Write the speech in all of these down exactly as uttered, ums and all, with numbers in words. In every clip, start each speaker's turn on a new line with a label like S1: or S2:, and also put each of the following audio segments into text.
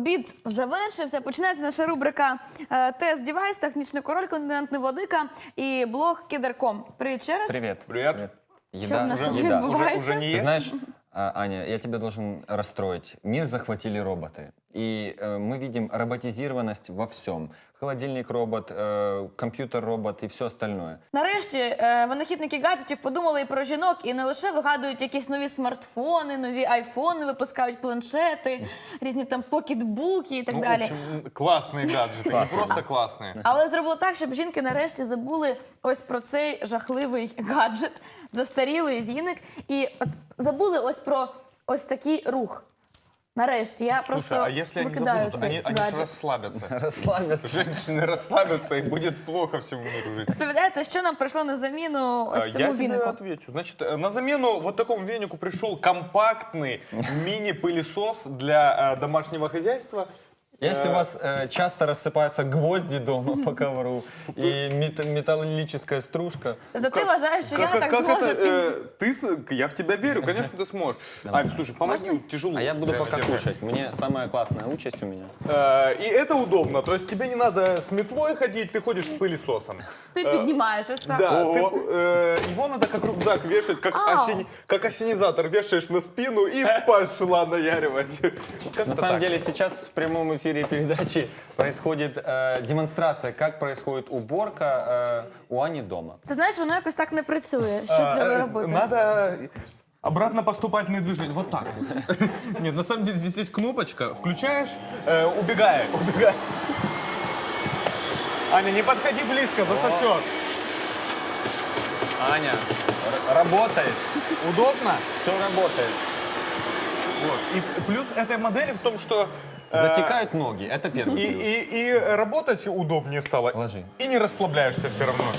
S1: Обід завершився. Починається наша рубрика е, «Тест Дівайс», технічний король, континентний владика і блог Кедр точка ком. Привіт ще раз.
S2: Привет.
S3: Привет.
S1: Что у нас тут
S2: еда.
S1: відбувається?
S3: Уже не
S2: Ты
S3: есть?
S2: знаешь, а, Аня, я тебя должен расстроить. Мир захватили роботы. И э, мы видим роботизированность во всем. Холодильник робот, э, компьютер робот и все остальное.
S1: Нарешті е, винахідники гаджетів подумали і про жінок, і не лише вигадують якісь нові смартфони, нові айфони, випускають планшети, різні там покетбуки і так
S3: Ну, в
S1: далі.
S3: общем, классные гаджеты, не просто классные.
S1: Але зробили так, щоб жінки нарешті забули ось про цей жахливий гаджет, застарілий віник, і от забули ось про ось такий рух. Нарешті я просто
S3: Слушай, а если они
S1: викидаю
S3: забудут,
S1: цей
S3: они, они же
S1: гаджет.
S3: расслабятся.
S2: Расслабиться.
S3: Женщины расслабятся, и будет плохо всему миру жить.
S1: Розповідаєте, що нам прийшло на заміну
S3: А,
S1: ось цьому
S3: Я тебе
S1: вінику?
S3: отвечу. Значит, э, на замену вот такому венику пришел компактный мини-пылесос для э, домашнего хозяйства.
S2: Если у вас э, часто рассыпаются гвозди дома по ковру и мет- металлическая стружка,
S1: Тобто ти вважаєш, що я не так
S3: как
S1: зможу
S3: это?
S1: під...
S3: э, ты, с- я в тебя верю, конечно, ты сможешь. Ань, слушай, помоги, тяжело.
S2: а я буду
S3: реально
S2: пока
S3: держать.
S2: кушать. Мне самая классная участь у меня.
S3: Э, И это удобно, то есть тебе не надо с метлой ходить, ты ходишь с пылесосом.
S1: Ти піднімаєш ось так.
S3: Да, ты, э, его надо как рюкзак вешать, как,
S1: Ау.
S3: осени- как осенизатор вешаешь на спину и пошла наяривать. Как-то
S2: На самом
S3: так.
S2: деле сейчас в прямом эфире передачи происходит э, демонстрация, как происходит уборка э, у Ани дома.
S1: Ти знаєш, воно якось так не працює. Що
S3: А,
S1: треба
S3: э,
S1: робити?
S3: Надо обратно поступательные движения. Вот так вот. Нет, на самом деле здесь есть кнопочка. Включаешь, э, убегай, убегай. Аня, не подходи близко, засосет.
S2: Аня, р- работает,
S3: Удобно?
S2: все работает.
S3: Вот. И плюс этой модели в том, что э,
S2: Затекают ноги, это первый
S3: и,
S2: плюс.
S3: и, и работать удобнее стало.
S2: Ложи.
S3: И не расслабляешься все равно.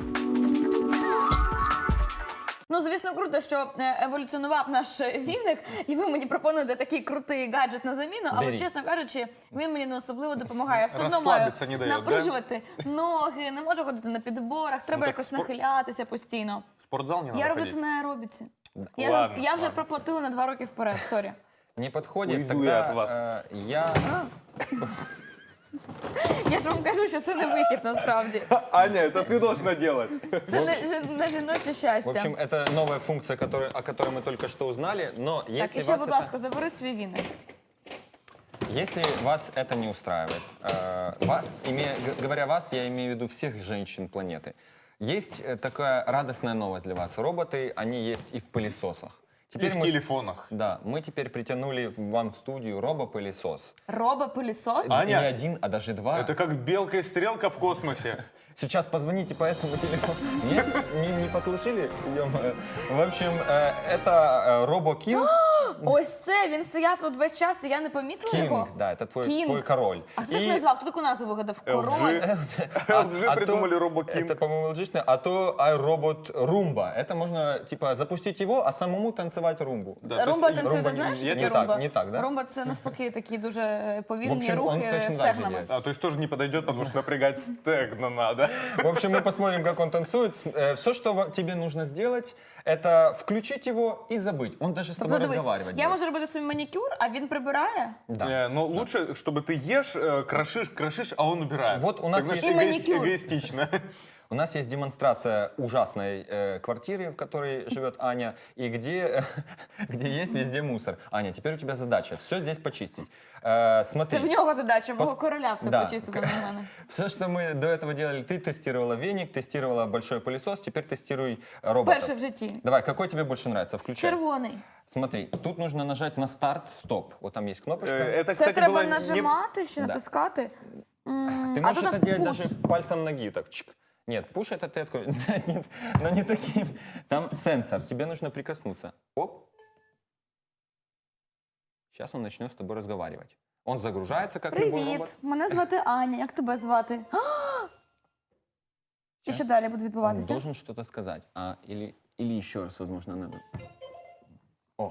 S1: Ну, звісно, круто, що е, еволюціонував наш віник, і ви мені пропонуєте такий крутий гаджет на заміну, але,
S2: Бери.
S1: чесно кажучи, він мені не особливо допомагає. Я все одно маю
S3: Розслабитися не дає, да?
S1: напружувати ноги, не можу ходити на підборах, треба
S3: так
S1: якось
S3: спор-
S1: нахилятися постійно.
S3: В спортзал не надо
S1: Я роблю
S3: ходить.
S1: це на аеробіці. Я,
S3: Ладно,
S1: я вже
S3: ладно.
S1: проплатила на два роки вперед, сорі.
S2: Не подходит,
S3: Уйду
S2: тогда
S3: я от вас.
S2: э, я...
S1: Я ж вам кажу, що це не вихід насправді.
S3: Аня, это ты должна делать.
S1: Це не, жі- не жіноче
S2: В
S1: щастя.
S2: общем, это новая функция, которая, о которой мы только что узнали, но
S1: Так,
S2: если
S1: і ще,
S2: вас,
S1: будь
S2: это,
S1: ласка, забери свій віник.
S2: если вас это не устраивает, э, вас, имея, г- говоря вас, я имею в виду всех женщин планеты, есть э, такая радостная новость для вас. Роботы, они есть и в пылесосах.
S3: И в
S2: мы-
S3: телефонах.
S2: Да, мы теперь притянули в- вам в студию робопылесос.
S1: Робопилісос?
S3: А? Аня,
S2: Не один, а даже два.
S3: Это как белка и стрелка в космосе.
S2: Сейчас позвоните по этому телефону. Нет, не, не послушали? Ё-моё. В общем, э, это э, RoboKing.
S1: Ось це, він стояв тут весь час, і я не помітила його.
S2: King, да, это твой,
S1: King.
S2: твой король.
S1: А хто так назвав? Хто таку назву вигадав? Король?
S3: L G придумали RoboKing.
S2: Это, по-моему, логично. А то iRobot Roomba. Это можно, типа, запустить его, а самому танцевать румбу.
S3: Да, то
S1: Румба
S3: есть
S1: танцює,
S2: румба
S1: ти
S2: не-
S1: знаєш,
S2: не
S1: що таке
S2: так,
S1: румба?
S2: не так, да?
S1: Румба це навпаки такі дуже е,
S2: В
S1: повільні
S2: общем, он
S1: рухи
S2: точно так же
S1: стегнами.
S2: делает.
S3: А, то есть тоже не подойдет, потому что напрягать стегна надо.
S2: В общем, мы посмотрим, как он танцует. Все, что ва- тебе нужно сделать, это включить его и забыть. Он даже с тобой
S1: Тобто, дивись,
S2: разговаривать
S1: я
S2: будет.
S1: можу робити собі манікюр, а він прибирає.
S2: Да.
S3: Э, Но лучше, чтобы ты ешь, э, крошишь, крошишь, а он убирает.
S2: Вот у нас
S3: Так, знаешь,
S1: есть- И
S3: эгоис-
S1: маникюр.
S3: эгоистично.
S2: У нас есть демонстрация ужасной э, квартиры, в которой живет Аня, и где, где есть везде мусор. Аня, теперь у тебя задача все здесь почистить. Э, смотри.
S1: Це в нього задача, мого
S2: Пос-
S1: короля все
S2: Да.
S1: почистити на мене.
S2: Все, что мы до этого делали, ты тестировала веник, тестировала большой пылесос, теперь тестируй роботов.
S1: Вперше в житті.
S2: Давай, какой тебе больше нравится? Включай.
S1: Червоний.
S2: Смотри, тут нужно нажать на старт, стоп. Вот там есть кнопочка.
S3: Э, Это,
S1: Це
S3: кстати,
S1: треба
S3: было не-
S1: нажимати чи
S2: Да.
S1: натискати? М,
S2: Ты
S1: а
S2: можешь
S1: тут
S2: это
S1: там
S2: делать
S1: пуш.
S2: даже пальцем ноги. Так, чик. Нет, пуш это ты откроешь. Нет, но не таким. Там сенсор, тебе нужно прикоснуться. Оп. Сейчас он начнет с тобой разговаривать. Он загружается, как любой робот.
S1: Привіт, мене звати Аня. Як тебе звати? А! І що далі буде
S2: Он
S1: відбуватися?
S2: должен что-то сказать. А, или, или еще раз, возможно, надо. О,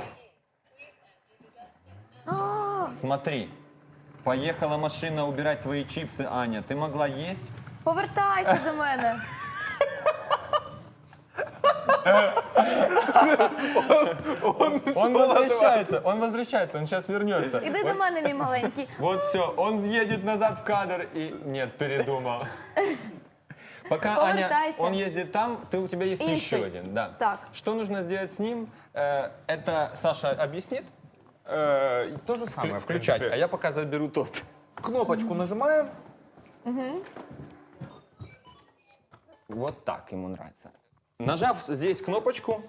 S1: А,
S2: смотри. Поехала машина убирать твои чипсы, Аня. Ты могла есть?
S1: повертайся до мене.
S3: Он
S2: Он
S3: соло
S2: возвращается, он возвращается, он сейчас вернется.
S1: Іди до мене, мій маленький.
S2: Вот все, он едет назад в кадр и нет, передумал. Пока Аня,
S1: Повертайся.
S2: он ездит там, ты, у тебя есть
S1: Інший.
S2: еще один. Да.
S1: Так.
S2: Что нужно сделать с ним? Э, Это Саша объяснит.
S3: Э, То же самое, в
S2: Включать,
S3: принципе.
S2: а я пока заберу тот.
S3: Кнопочку нажимаем.
S2: Вот так ему нравится. Нажав здесь кнопочку.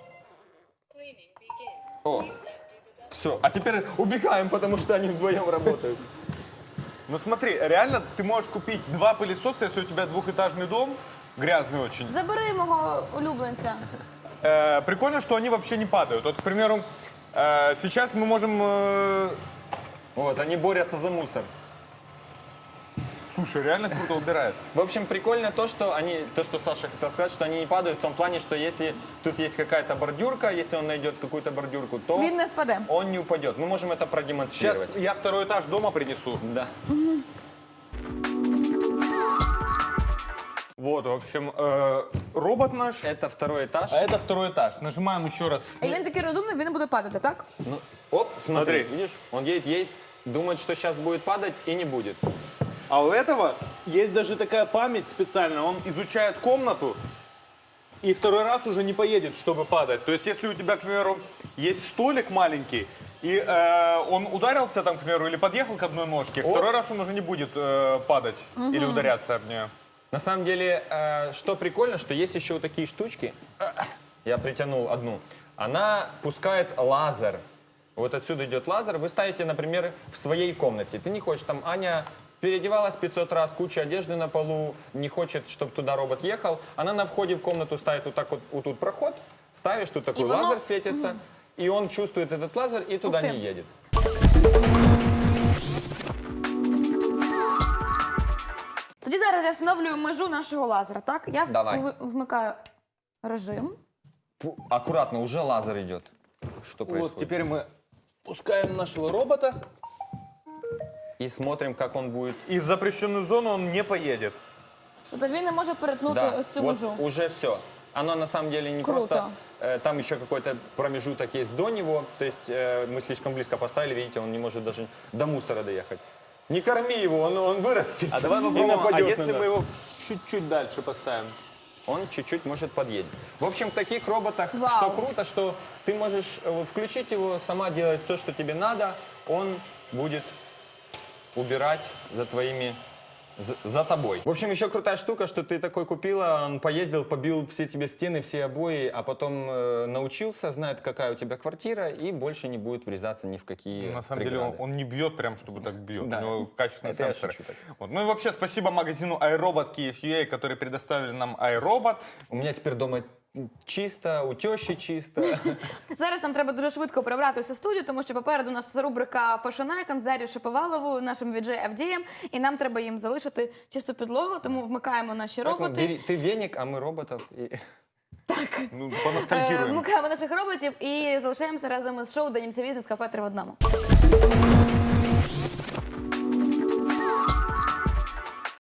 S2: О, все. А теперь убегаем, потому что они вдвоем работают.
S3: Ну смотри, реально ты можешь купить два пылесоса, если у тебя двухэтажный дом, грязный очень.
S1: Забери мого улюбленця.
S3: Э, Прикольно, что они вообще не падают. Вот, к примеру, э, сейчас мы можем... э,
S2: Вот, они борются за мусор.
S3: Слушай, реально круто убирает.
S2: В общем, прикольно то, что они, то, что Саша хотел сказать, что они не падают в том плане, что если тут есть какая-то бордюрка, если он найдет какую-то бордюрку, то
S1: Він не впаде.
S2: он не упадет. Мы можем это продемонстрировать.
S3: Сейчас я второй этаж дома принесу.
S2: Да.
S3: Вот, в общем, э, робот наш.
S2: Это второй этаж.
S3: А это второй этаж. Нажимаем еще раз.
S1: І він такий розумний, він не буде падати, так?
S2: Ну, оп, смотри,
S3: Смотри.
S2: видишь, он едет, едет, думает, что сейчас будет падать и не будет.
S3: А у этого есть даже такая память специальная. Он изучает комнату и второй раз уже не поедет, чтобы падать. То есть, если у тебя, к примеру, есть столик маленький, и э, он ударился там, к примеру, или подъехал к одной ножке, второй раз он уже не будет э, падать или ударяться об нее.
S2: На самом деле, э, что прикольно, что есть еще вот такие штучки. Я притянул одну. Она пускает лазер. Вот отсюда идет лазер. Вы ставите, например, в своей комнате. Ты не хочешь, там Аня переодевалась пятьсот раз, куча одежды на полу, не хочет, чтобы туда робот ехал. Она на входе в комнату ставит вот так вот, вот тут проход, ставишь, тут такой
S1: И оно-
S2: лазер светится, и он чувствует этот лазер и туда
S1: Ух ты.
S2: не едет.
S1: Тоді зараз я встановлюю межу нашого лазера, так? Я
S2: Давай.
S1: в- вмикаю режим.
S2: Пу- Аккуратно, уже лазер идет. Что происходит?
S3: Вот, теперь мы пускаем нашего робота,
S2: И смотрим, как он будет.
S3: и в запрещенную зону он не поедет.
S1: Тобто він не може перетнути
S2: Да,
S1: ось цю
S2: вот
S1: межу.
S2: уже все. Оно на самом деле не
S1: Круто.
S2: просто... э, там еще какой-то промежуток есть до него. То есть э, мы слишком близко поставили, видите, он не может даже до мусора доехать. Не корми его, он, он вырастет.
S3: А давай
S2: и
S3: попробуем, а
S2: нападет
S3: если
S2: на
S3: мы
S2: нас.
S3: его чуть-чуть дальше поставим?
S2: Он чуть-чуть может подъедет. В общем, в таких роботах,
S1: Вау.
S2: что круто, что ты можешь э, включить его, сама делать все, что тебе надо. Он будет убирать за твоими... За, за тобой. В общем, еще крутая штука, что ты такой купила, он поездил, побил все тебе стены, все обои, а потом э, научился, знает, какая у тебя квартира, и больше не будет врезаться ни в какие
S3: На самом деле
S2: преграды.
S3: он, он не бьет прям, чтобы так бьет.
S2: Да.
S3: У него качественные
S2: Это я
S3: сенсоры.
S2: шучу так.
S3: Вот. Ну и вообще спасибо магазину iRobot Kyiv.ua, которые предоставили нам iRobot.
S2: У меня теперь дома чисто, у тещи чисто.
S1: Зараз нам треба дуже швидко прибрати всю студію, тому що попереду у нас рубрика Fashion Icon з Дар'єю Шаповаловою, нашим віджей Авдієм, і нам треба їм залишити чисту підлогу, тому вмикаємо наші
S2: Поэтому
S1: роботи.
S2: бери- ты веник, а мы роботов. И...
S3: Ну,
S1: Е,
S3: поностальгируем.
S1: Вмикаємо наших роботів і залишаємося разом із шоу «Денімця Візнес. Кафе три в одному».